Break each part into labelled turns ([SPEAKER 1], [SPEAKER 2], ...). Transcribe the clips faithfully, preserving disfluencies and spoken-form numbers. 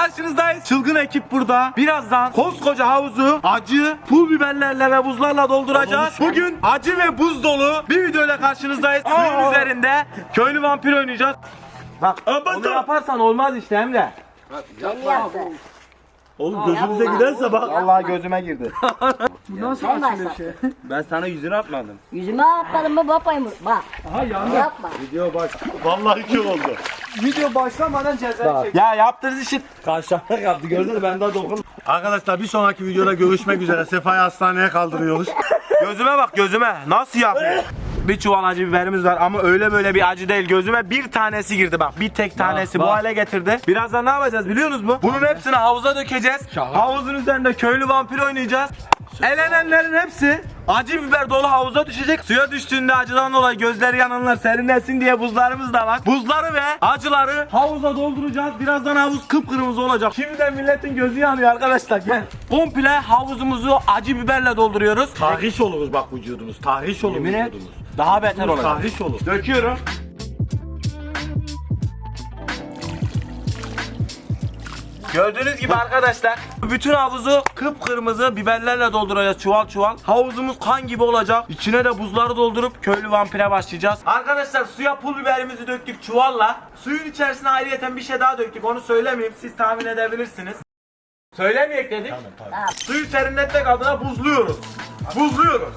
[SPEAKER 1] karşınızdayız. Çılgın ekip burada. Birazdan koskoca havuzu acı pul biberlerle ve buzlarla dolduracağız. Bugün acı ve buz dolu bir videoyla karşınızdayız. Suyun üzerinde köylü vampir oynayacağız. Bak onu yaparsan olmaz işte Emre.
[SPEAKER 2] Oğlum gözümüze giderse bak.
[SPEAKER 1] Vallahi gözüme girdi.
[SPEAKER 3] Bu nasıl
[SPEAKER 4] Ben
[SPEAKER 3] açılır
[SPEAKER 4] başla.
[SPEAKER 3] şey?
[SPEAKER 1] Ben sana yüzünü atmadım.
[SPEAKER 4] Yüzüme atmadın mı babayım? Bak.
[SPEAKER 3] Aha yandı.
[SPEAKER 4] Yapma.
[SPEAKER 1] Video baş.
[SPEAKER 2] Vallahi kör oldu.
[SPEAKER 3] Video başlamadan ceza çek.
[SPEAKER 1] Ya yaptığınız işi
[SPEAKER 2] Karşılaşma yaptı gördün mü ben daha dokun. Arkadaşlar bir sonraki videoda görüşmek üzere. Sefa'yı hastaneye kaldırıyoruz.
[SPEAKER 1] gözüme bak gözüme. Nasıl yapıyor? Bir çuval acı biberimiz var ama öyle böyle bir acı değil. Gözüme bir tanesi girdi bak. Bir tek tanesi bu hale getirdi. Birazdan ne yapacağız biliyorsunuz mu? Bunun hepsini havuza dökeceğiz. Havuzun üzerinde köylü vampir oynayacağız. Elenenlerin hepsi acı biber dolu havuza düşecek. Suya düştüğünde acıdan dolayı gözleri yananlar serinlesin diye buzlarımız da var. Buzları ve acıları havuza dolduracağız. Birazdan havuz kıpkırmızı olacak. Şimdiden milletin gözü yanıyor arkadaşlar. Gel. Komple havuzumuzu acı biberle dolduruyoruz.
[SPEAKER 2] Tahriş oluruz bak vücudunuz. Tahriş olur
[SPEAKER 1] Yemin et.
[SPEAKER 2] vücudunuz.
[SPEAKER 1] Daha beter olacak.
[SPEAKER 2] Tahriş olur.
[SPEAKER 1] Döküyorum. Gördüğünüz gibi arkadaşlar bütün havuzu kıpkırmızı biberlerle dolduracağız çuval çuval. Havuzumuz kan gibi olacak. İçine de buzları doldurup köylü vampire başlayacağız. Arkadaşlar suya pul biberimizi döktük çuvalla. Suyun içerisine ayrıyeten bir şey daha döktük. Onu söylemeyeyim. Siz tahmin edebilirsiniz. Söylemeyek dedik.
[SPEAKER 2] Tamam, tamam.
[SPEAKER 1] Suyu serinletmek adına buzluyoruz. Buzluyoruz.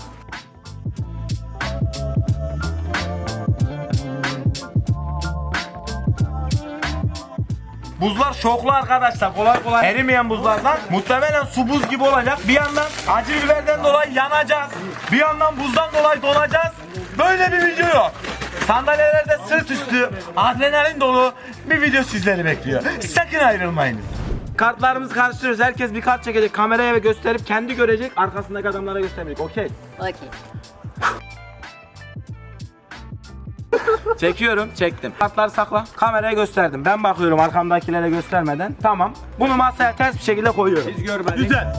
[SPEAKER 1] Buzlar şoklu arkadaşlar. Kolay kolay erimeyen buzlardan. Muhtemelen su buz gibi olacak. Bir yandan acı biberden dolayı yanacağız. Bir yandan buzdan dolayı donacağız. Böyle bir video yok. Sandalyelerde sırt üstü adrenalin dolu bir video sizleri bekliyor. Sakın ayrılmayınız. Kartlarımızı karıştırıyoruz. Herkes bir kart çekecek. Kameraya ve gösterip kendi görecek. Arkasındaki adamlara göstermeyecek. Okey.
[SPEAKER 4] Okey.
[SPEAKER 1] Çekiyorum, çektim. Kartları sakla. Kameraya gösterdim. Ben bakıyorum arkamdakilere göstermeden. Tamam. Bunu masaya ters bir şekilde koyuyorum. Biz görmedik.
[SPEAKER 2] Güzel.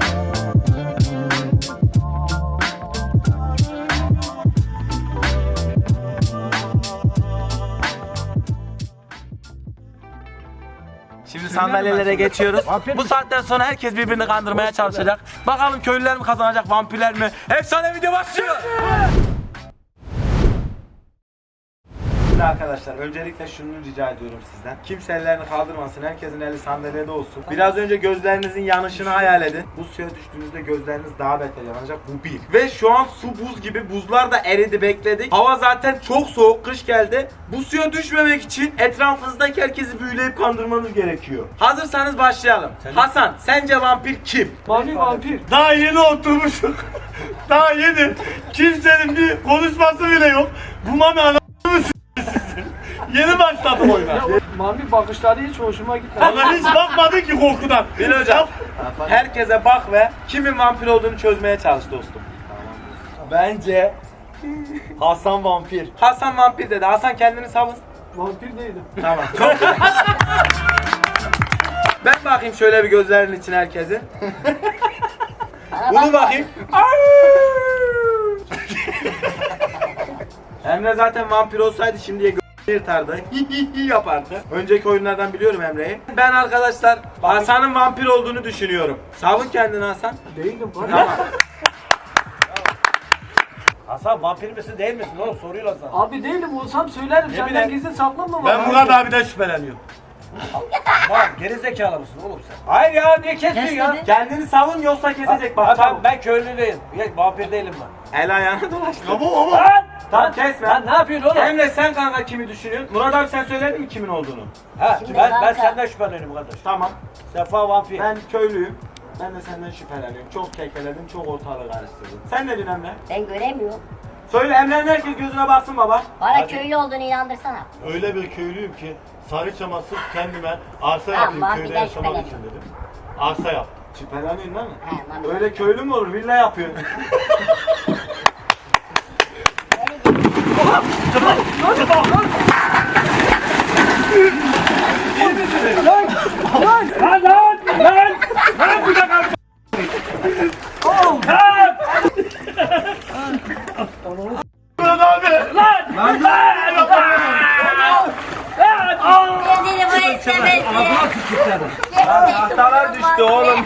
[SPEAKER 1] Şimdi sandalyelere geçiyoruz. Bu saatten sonra herkes birbirini kandırmaya çalışacak. Bakalım köylüler mi kazanacak, vampirler mi? Efsane video başlıyor. Şimdi arkadaşlar öncelikle şunu rica ediyorum sizden. Kimse ellerini kaldırmasın. Herkesin eli sandalyede olsun. Biraz önce gözlerinizin yanışını hayal edin. Bu suya düştüğünüzde gözleriniz daha beter yanacak. Bu bir. Ve şu an su buz gibi. Buzlar da eridi, bekledik. Hava zaten çok soğuk. Kış geldi. Bu suya düşmemek için etrafınızdaki herkesi büyüleyip kandırmanız gerekiyor. Hazırsanız başlayalım. Hasan, sence vampir kim?
[SPEAKER 3] Vampir vampir.
[SPEAKER 2] Daha yeni oturmuşuk. Daha yeni. Kimsenin bir konuşması bile yok. Bu mami anasını s***sin. Yeni başladım oyuna.
[SPEAKER 3] Ya o vampir bakışları hiç hoşuma gitmedi.
[SPEAKER 2] Bana hiç bakmadı ki korkudan.
[SPEAKER 1] Bil hocam. Herkese bak ve kimin vampir olduğunu çözmeye çalış dostum.
[SPEAKER 2] Bence Hasan vampir.
[SPEAKER 1] Hasan vampir dedi. Hasan kendini savun.
[SPEAKER 3] Vampir değilim.
[SPEAKER 1] Tamam. Çok güzel. Ben bakayım şöyle bir gözlerinin içine herkesin. Bunu bakayım. Emre zaten vampir olsaydı şimdiye gö- yırtardı. Yapardı. Önceki oyunlardan biliyorum Emre'yi. Ben arkadaşlar Hasan'ın vampir olduğunu düşünüyorum. Savun kendini Hasan.
[SPEAKER 3] Değilim. Bak.
[SPEAKER 1] Tamam.
[SPEAKER 2] Hasan vampir misin değil misin oğlum soruyorlar sana.
[SPEAKER 3] Abi değilim olsam söylerim. Senden
[SPEAKER 2] bileyim.
[SPEAKER 3] gizli saklanma.
[SPEAKER 2] Ben
[SPEAKER 3] bana.
[SPEAKER 2] Murat abiden şüpheleniyorum.
[SPEAKER 5] Bak gerizekalı mısın oğlum sen?
[SPEAKER 3] Hayır ya niye kesiyorsun ya?
[SPEAKER 4] Kes
[SPEAKER 1] Kendini savun yoksa kesecek bak.
[SPEAKER 5] Ha, ben,
[SPEAKER 1] çabuk.
[SPEAKER 5] ben köylü değilim. Ya, vampir değilim ben.
[SPEAKER 1] El ayağına dolaştı.
[SPEAKER 2] Ama ama.
[SPEAKER 5] Lan!
[SPEAKER 1] Tamam kesme.
[SPEAKER 5] Lan ne yapıyorsun oğlum?
[SPEAKER 1] Emre sen kanka kimi düşünüyorsun? Murat abi sen söyledin mi kimin olduğunu?
[SPEAKER 5] Ha,
[SPEAKER 4] Şimdi
[SPEAKER 5] ben, ben
[SPEAKER 4] kanka.
[SPEAKER 5] senden şüpheleniyorum kardeş.
[SPEAKER 1] Tamam.
[SPEAKER 5] Sefa vampir.
[SPEAKER 1] Ben köylüyüm. Ben de senden şüpheleniyorum. Çok kekeledim, çok ortalığı karıştırdım. Sen ne diyorsun Emre?
[SPEAKER 4] Ben göremiyorum.
[SPEAKER 1] Söyle Emre'nin herkes gözüne baksın baba.
[SPEAKER 4] Bana köylü olduğunu inandırsana.
[SPEAKER 2] Öyle bir köylüyüm ki Sarıçam'a sırf kendime arsa
[SPEAKER 4] Tamam,
[SPEAKER 2] yapayım
[SPEAKER 4] vampirden
[SPEAKER 2] köyde yaşamak için
[SPEAKER 4] şüpheleniyorum.
[SPEAKER 2] dedim. Arsa yaptım.
[SPEAKER 1] Şüpheleniyorsun değil mi?
[SPEAKER 4] He, vampir.
[SPEAKER 1] Öyle köylü mü olur? Villa yapıyorsun.
[SPEAKER 2] Lan lan lan! Lan bu da kalk! Murat abi! Lan! Lan! Lan!
[SPEAKER 4] Dediğini buraya Geçemezsin.
[SPEAKER 1] Tahtalar düştü oğlum.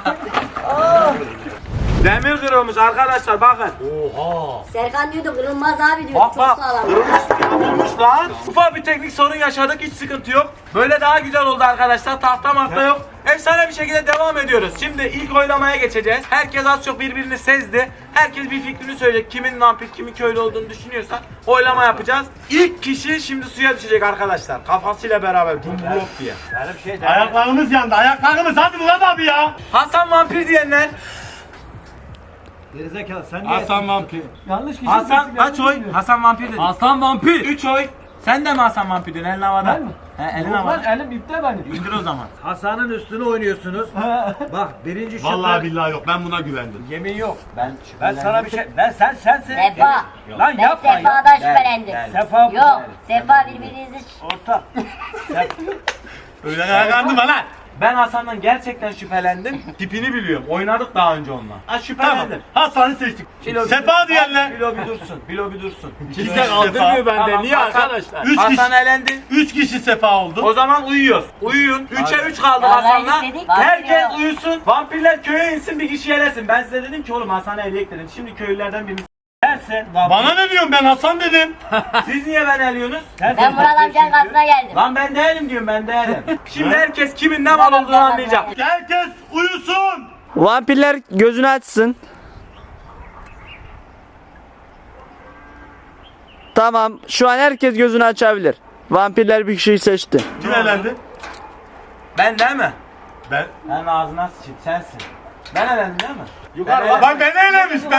[SPEAKER 1] Demir kırılmış arkadaşlar bakın.
[SPEAKER 4] Serkan diyordu kırılmaz abi diyor.
[SPEAKER 1] Bak
[SPEAKER 4] Çok
[SPEAKER 1] bak.
[SPEAKER 4] sağlam.
[SPEAKER 1] Kırılmış, kırılmış lan. Ufak bir teknik sorun yaşadık, hiç sıkıntı yok. Böyle daha güzel oldu arkadaşlar. Tahta mahta yok. Efsane bir şekilde devam ediyoruz. Şimdi ilk oylamaya geçeceğiz. Herkes az çok birbirini sezdi. Herkes bir fikrini söyleyecek. Kimin vampir, kimin köylü olduğunu düşünüyorsa oylama yapacağız. İlk kişi şimdi suya düşecek arkadaşlar. Kafasıyla beraber dumblok diye.
[SPEAKER 5] Benim şey de.
[SPEAKER 2] Ayaklarımız yandı. Ayaklarımız. Hadi Murat abi ya.
[SPEAKER 1] Hasan vampir diyenler.
[SPEAKER 5] Gerizekalı sen niye?
[SPEAKER 2] Hasan vampir.
[SPEAKER 3] Yanlış kişi.
[SPEAKER 1] Hasan
[SPEAKER 3] seçtik,
[SPEAKER 1] kaç
[SPEAKER 3] yanlış
[SPEAKER 1] oy?
[SPEAKER 3] diyor.
[SPEAKER 1] Hasan vampir dedi.
[SPEAKER 3] Hasan vampir.
[SPEAKER 1] üç oy. Sen de mi Hasan vampir diyorsun? Elin havada.
[SPEAKER 3] Ben mi?
[SPEAKER 1] He, elin
[SPEAKER 3] Yok
[SPEAKER 1] havada.
[SPEAKER 3] lan elim ipte benim.
[SPEAKER 1] İndir o zaman.
[SPEAKER 5] Hasan'ın üstüne oynuyorsunuz. Bak birinci şüphe.
[SPEAKER 2] Vallahi billahi yok. Ben buna güvendim.
[SPEAKER 5] Yemin yok.
[SPEAKER 1] Ben
[SPEAKER 5] Ben sana bir şey. Ben sen sensin.
[SPEAKER 4] Sefa.
[SPEAKER 5] Lan
[SPEAKER 4] Ben
[SPEAKER 5] yapma ya.
[SPEAKER 4] Sefa'dan şüphelendim.
[SPEAKER 5] Sefa.
[SPEAKER 4] Yok. Sefa birbirinizi
[SPEAKER 5] Orta.
[SPEAKER 2] Öyle ayaklandım lan.
[SPEAKER 1] Ben Hasan'dan gerçekten şüphelendim. Tipini biliyorum. Oynadık daha önce onunla. Ha
[SPEAKER 2] Tamam.
[SPEAKER 1] şüphelendim.
[SPEAKER 2] Hasan'ı seçtik.
[SPEAKER 1] Bilo bir
[SPEAKER 2] Sefa
[SPEAKER 1] dursun.
[SPEAKER 2] diyenler.
[SPEAKER 1] Bilo bir dursun. Bilo bir dursun.
[SPEAKER 2] Kimse kaldırmıyor bende.
[SPEAKER 1] Tamam,
[SPEAKER 2] Niye
[SPEAKER 1] Hasan-
[SPEAKER 2] arkadaşlar? Üç
[SPEAKER 1] Hasan
[SPEAKER 2] kişi.
[SPEAKER 1] elendi.
[SPEAKER 2] Üç kişi sefa oldu.
[SPEAKER 1] O zaman uyuyoruz. Uyuyun. üçe üç kaldı
[SPEAKER 4] Vallahi
[SPEAKER 1] Hasan'la.
[SPEAKER 4] istedik.
[SPEAKER 1] Herkes
[SPEAKER 4] Vampir
[SPEAKER 1] uyusun. Vampirler köye insin, bir kişi elesin. Ben size dedim ki oğlum Hasan'ı eleyek dedim. Şimdi köylülerden birini.
[SPEAKER 5] Sensin.
[SPEAKER 2] Bana ne diyorsun, ben Hasan dedim.
[SPEAKER 1] Siz niye ben eliyorsunuz?
[SPEAKER 4] Ben Murat amcanın kasına geldim.
[SPEAKER 1] Lan ben değilim diyorum, ben değilim. Şimdi herkes kimin ne mal olduğunu anlayacak.
[SPEAKER 2] Herkes uyusun.
[SPEAKER 6] Vampirler gözünü açsın. Tamam, şu an herkes gözünü açabilir. Vampirler bir kişiyi seçti.
[SPEAKER 2] Kim elendi?
[SPEAKER 1] Ben değil mi?
[SPEAKER 2] Ben.
[SPEAKER 1] Ben ağzına sıçayım, sensin. Ben elendim değil mi?
[SPEAKER 2] Yukarı
[SPEAKER 1] Ben
[SPEAKER 2] bak. Bak beni elemiş ben.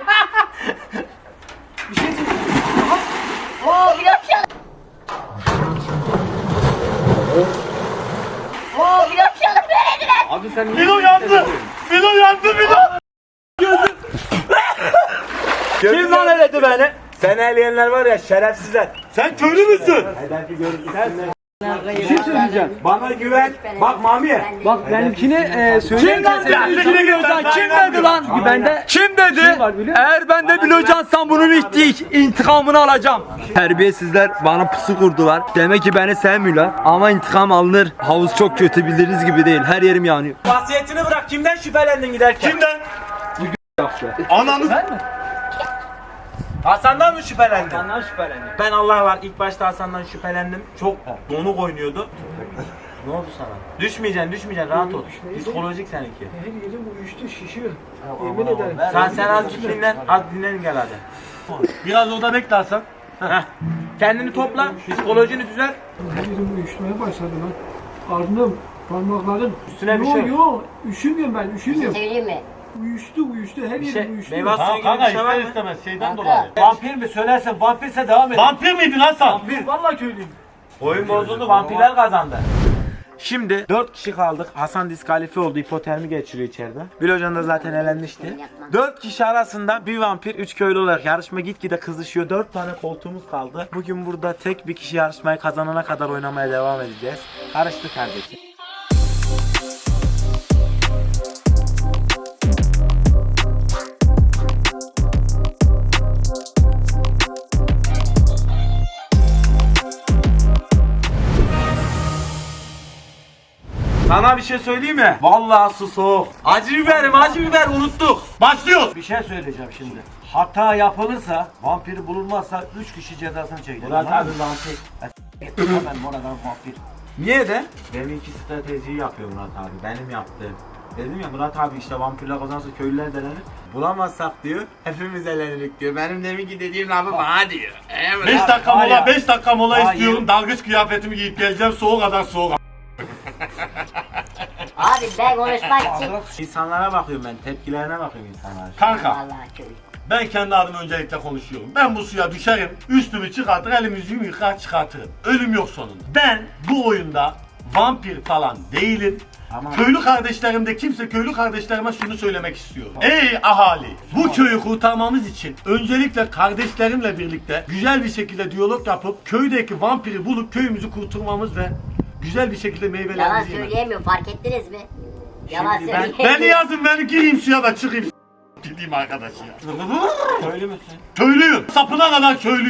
[SPEAKER 4] Oo blok çalın. Oo blok çalın verediler.
[SPEAKER 1] Abi sen
[SPEAKER 2] Milo yandı. Milo yandı Milo.
[SPEAKER 1] Kim lan eledi beni? Sen eleyenler var ya şerefsizler.
[SPEAKER 2] Sen köylü müsün?
[SPEAKER 1] Belki görürsün.
[SPEAKER 3] Bir şey söyleyeceğim.
[SPEAKER 1] Bana güven. Bak Mami.
[SPEAKER 3] Bak benimkini e, söyleyeyim.
[SPEAKER 2] lan dedi? Kim dedi?
[SPEAKER 3] Kim dedi lan? Bende
[SPEAKER 6] Kim dedi?
[SPEAKER 3] Kim var biliyor musun?
[SPEAKER 6] Eğer ben de bilocansam bunun ihti- intikamını alacağım. Terbiyesizler bana pusu kurdular. Demek ki beni sevmiyorlar. Ama intikam alınır. Havuz çok kötü, bildiğiniz gibi değil. Her yerim yanıyor.
[SPEAKER 1] Vasiyetini bırak. Kimden şüphelendin giderken?
[SPEAKER 2] Kimden? Ananı.
[SPEAKER 3] ben mi?
[SPEAKER 1] Hasan'dan mı şüphelendin?
[SPEAKER 3] Senden şüphelendim.
[SPEAKER 1] Ben Allah var ilk başta Hasan'dan şüphelendim. Çok donuk oynuyordu. Ne oldu sana? Düşmeyeceksin, düşmeyeceksin. Rahat ol. Psikolojik seninki.
[SPEAKER 3] Her yerim uyuştu şişiyor. Yemin ederim.
[SPEAKER 1] Sen sen az git dinlen. Az dinlen gel hadi.
[SPEAKER 2] Biraz orada bekle Hasan.
[SPEAKER 1] Heh. Kendini topla. Psikolojini düzelt.
[SPEAKER 3] Her yerim uyuşmaya başladı lan. Karnım, parmaklarım.
[SPEAKER 1] Üstüne bir
[SPEAKER 3] Yo,
[SPEAKER 1] şey yok.
[SPEAKER 3] yo, üşümüyorum ben, üşümüyorum.
[SPEAKER 4] Söyleyeyim mi?
[SPEAKER 3] Uyuştu, uyuştu. Her
[SPEAKER 1] Bir şey,
[SPEAKER 3] yerim uyuştu.
[SPEAKER 1] meyve suyu
[SPEAKER 2] Tamam
[SPEAKER 1] gibi
[SPEAKER 2] kanka,
[SPEAKER 1] bir şey var
[SPEAKER 2] ister
[SPEAKER 1] mı?
[SPEAKER 2] istemez şeyden
[SPEAKER 4] Kanka.
[SPEAKER 2] dolayı.
[SPEAKER 5] Vampir mi söylersen vampirse devam et.
[SPEAKER 2] Vampir miydin Hasan?
[SPEAKER 3] Vallahi köylüyüm.
[SPEAKER 1] Oyun bozuldu, vampirler kazandı. Şimdi dört kişi kaldık. Hasan diskalifiye oldu. Hipotermi geçiriyor içeride. Bilocan da zaten elenmişti. dört kişi arasında bir vampir, üç köylü olarak yarışma gitgide kızışıyor. dört tane koltuğumuz kaldı. Bugün burada tek bir kişi yarışmayı kazanana kadar oynamaya devam edeceğiz. Karıştı kardeşim. Sana bir şey söyleyeyim mi? Vallahi su soğuk. Acı biberim, acı biber unuttuk.
[SPEAKER 2] Başlıyoruz.
[SPEAKER 5] Bir şey söyleyeceğim şimdi. Hata yapılırsa, vampiri bulunmazsa üç kişi cezasını çekilir.
[SPEAKER 1] Murat abi vampir.
[SPEAKER 5] Hemen Murat abi vampir.
[SPEAKER 1] Niye de? Benimki stratejiyi yapıyor Murat abi. Benim yaptığım. Dedim ya Murat abi işte vampirler kazanırsa köylüler delenir. Bulamazsak diyor. Hepimiz elenirik diyor. Benim deminki dediğim lafı bana diyor. Evet.
[SPEAKER 2] beş dakika
[SPEAKER 5] Hayır.
[SPEAKER 2] mola, beş dakika mola
[SPEAKER 5] Hayır.
[SPEAKER 2] istiyorum. Dalgıç kıyafetimi giyip geleceğim. Soğuk kadar soğuk.
[SPEAKER 4] Abi ben konuşmak için.
[SPEAKER 1] İnsanlara bakıyorum ben. Tepkilerine bakıyorum insanlara.
[SPEAKER 2] Kanka,
[SPEAKER 4] Vallahi köylü.
[SPEAKER 2] ben kendi adıma öncelikle konuşuyorum. Ben bu suya düşerim, üstümü çıkartır, elimi yüzümü yıkar çıkartırım. Ölüm yok sonunda. Ben bu oyunda vampir falan değilim.
[SPEAKER 1] Tamam.
[SPEAKER 2] Köylü kardeşlerimde kimse köylü kardeşlerime şunu söylemek istiyorum. Ey ahali! Bu köyü kurtarmamız için öncelikle kardeşlerimle birlikte güzel bir şekilde diyalog yapıp köydeki vampiri bulup köyümüzü kurtarmamız ve güzel bir şekilde
[SPEAKER 4] Yalan
[SPEAKER 2] meyvelerimizi yememiz.
[SPEAKER 4] söyleyemiyor fark ettiniz mi? Yalan
[SPEAKER 1] Şimdi ben-
[SPEAKER 4] söyleyemiyor.
[SPEAKER 2] Beni yazın, ben gireyim suya da çıkayım. Gideyim arkadaş ya.
[SPEAKER 1] Köylü müsün?
[SPEAKER 2] Köylüyüm. Sapına kadar köylüyüm.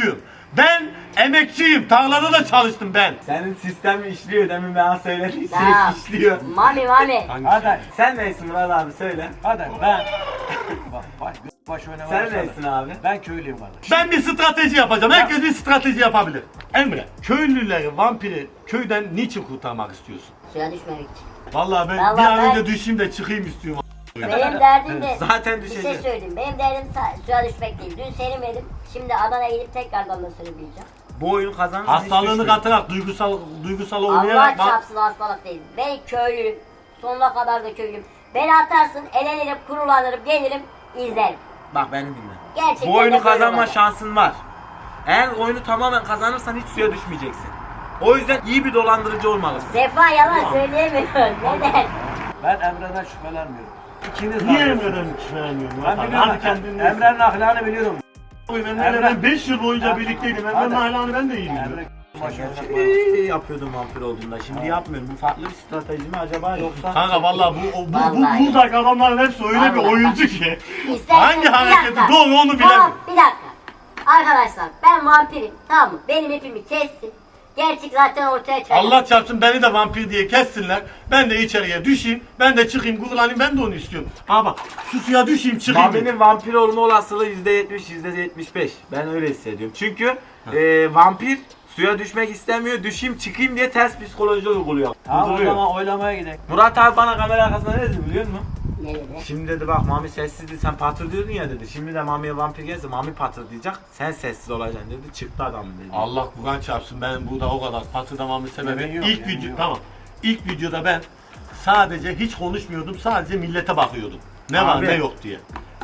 [SPEAKER 2] Ben emekçiyim. Tarlada da çalıştım ben.
[SPEAKER 1] Senin sistem işliyor demin bana söyledin.
[SPEAKER 4] Tamam.
[SPEAKER 1] işliyor.
[SPEAKER 4] Mami mami.
[SPEAKER 5] Hadi.
[SPEAKER 1] Sen neysin Murat abi söyle.
[SPEAKER 5] Hadi ben. Bak baş, baş oynamaya
[SPEAKER 1] Sen
[SPEAKER 5] başladı.
[SPEAKER 1] neysin abi?
[SPEAKER 5] Ben köylüyüm kardeş.
[SPEAKER 2] Ben bir strateji yapacağım. Herkes bir strateji yapabilir. Emre, köylüleri, vampiri köyden niçin kurtarmak istiyorsun?
[SPEAKER 4] Suya düşmemek için.
[SPEAKER 2] Vallahi ben
[SPEAKER 4] Vallahi
[SPEAKER 2] bir an
[SPEAKER 4] ben-
[SPEAKER 2] önce düşeyim de çıkayım istiyorum.
[SPEAKER 4] Benim derdim de
[SPEAKER 1] Zaten
[SPEAKER 4] bir şey
[SPEAKER 1] düşeceğim.
[SPEAKER 4] söyleyeyim. Benim derdim sa- suya düşmek değil. Dün serinmedim. Şimdi Adana'ya gidip tekrardan da serinleyeceğim.
[SPEAKER 1] Bu oyun kazanırsa
[SPEAKER 2] Hastalığını katarak duygusal duygusal
[SPEAKER 4] Allah
[SPEAKER 2] oynayarak bak.
[SPEAKER 4] çarpsın hastalık değil. Ben köylüyüm. Sonuna kadar da köylüyüm. Beni atarsın, elenirim, kurulanırım, gelirim, izlerim.
[SPEAKER 1] Bak beni dinle.
[SPEAKER 4] Gerçekten
[SPEAKER 1] Bu oyunu
[SPEAKER 4] de böyle
[SPEAKER 1] kazanma
[SPEAKER 4] olacak.
[SPEAKER 1] şansın var. Eğer oyunu tamamen kazanırsan hiç suya düşmeyeceksin. O yüzden iyi bir dolandırıcı olmalısın.
[SPEAKER 4] Sefa yalan söyleyemiyor. Neden?
[SPEAKER 5] Ben Emre'den şüphelenmiyorum. İkiniz
[SPEAKER 2] Niye
[SPEAKER 5] var.
[SPEAKER 2] Emre'den şüpheleniyorsun?
[SPEAKER 5] Ben
[SPEAKER 2] Hadi
[SPEAKER 5] biliyorum.
[SPEAKER 2] kendini.
[SPEAKER 5] Emre'nin ahlakını biliyorum.
[SPEAKER 2] Emre'yle ben beş yıl boyunca birlikteydim. Emre'nin
[SPEAKER 5] Hadi.
[SPEAKER 2] ahlakını ben de iyi biliyorum.
[SPEAKER 5] Emre başına
[SPEAKER 1] İyi yapıyordum vampir olduğunda. Şimdi yapmıyorum. Bu farklı bir strateji mi acaba yoksa?
[SPEAKER 2] Kanka vallahi bu o- bu, bu
[SPEAKER 4] Vallahi.
[SPEAKER 2] buradaki adamların hepsi öyle bir
[SPEAKER 4] Vallahi.
[SPEAKER 2] oyuncu ki.
[SPEAKER 4] İstersen-
[SPEAKER 2] Hangi
[SPEAKER 4] Bir
[SPEAKER 2] hareketi
[SPEAKER 4] dakika.
[SPEAKER 2] doğru onu
[SPEAKER 4] Tamam,
[SPEAKER 2] bilemem.
[SPEAKER 4] bir dakika. Arkadaşlar ben vampirim. Tamam mı? Benim ipimi kestin. Gerçek zaten ortaya çıkacak.
[SPEAKER 2] Allah çarpsın beni de vampir diye kessinler. Ben de içeriye düşeyim. Ben de çıkayım gurulanayım. Ben de onu istiyorum. Ama bak şu suya düşeyim çıkayım.
[SPEAKER 1] Mami'nin vampir olma olasılığı yüzde yetmiş yüzde yetmiş beş. Ben öyle hissediyorum. Çünkü e, vampir suya düşmek istemiyor. Düşeyim çıkayım diye ters psikoloji uyguluyor.
[SPEAKER 5] Tamam o
[SPEAKER 1] Uyduruyor.
[SPEAKER 5] zaman oylamaya gidelim.
[SPEAKER 1] Murat abi bana kamera arkasında ne dedi biliyor musun?
[SPEAKER 4] Ne dedi?
[SPEAKER 1] Şimdi dedi bak Mami sessizdi sen patır diyordun ya dedi. Şimdi de Mami'ye vampir gelse Mami patır diyecek. Sen sessiz olacaksın dedi. Çıktı adam dedi.
[SPEAKER 2] Allah Kur'an çarpsın ben burada o kadar patırdamamın sebebi
[SPEAKER 5] Yemin yok,
[SPEAKER 2] ilk
[SPEAKER 5] yemin
[SPEAKER 2] video
[SPEAKER 5] yok.
[SPEAKER 2] tamam. İlk videoda ben sadece hiç konuşmuyordum. Sadece millete bakıyordum. Ne var
[SPEAKER 1] Abi.
[SPEAKER 2] ne yok diye.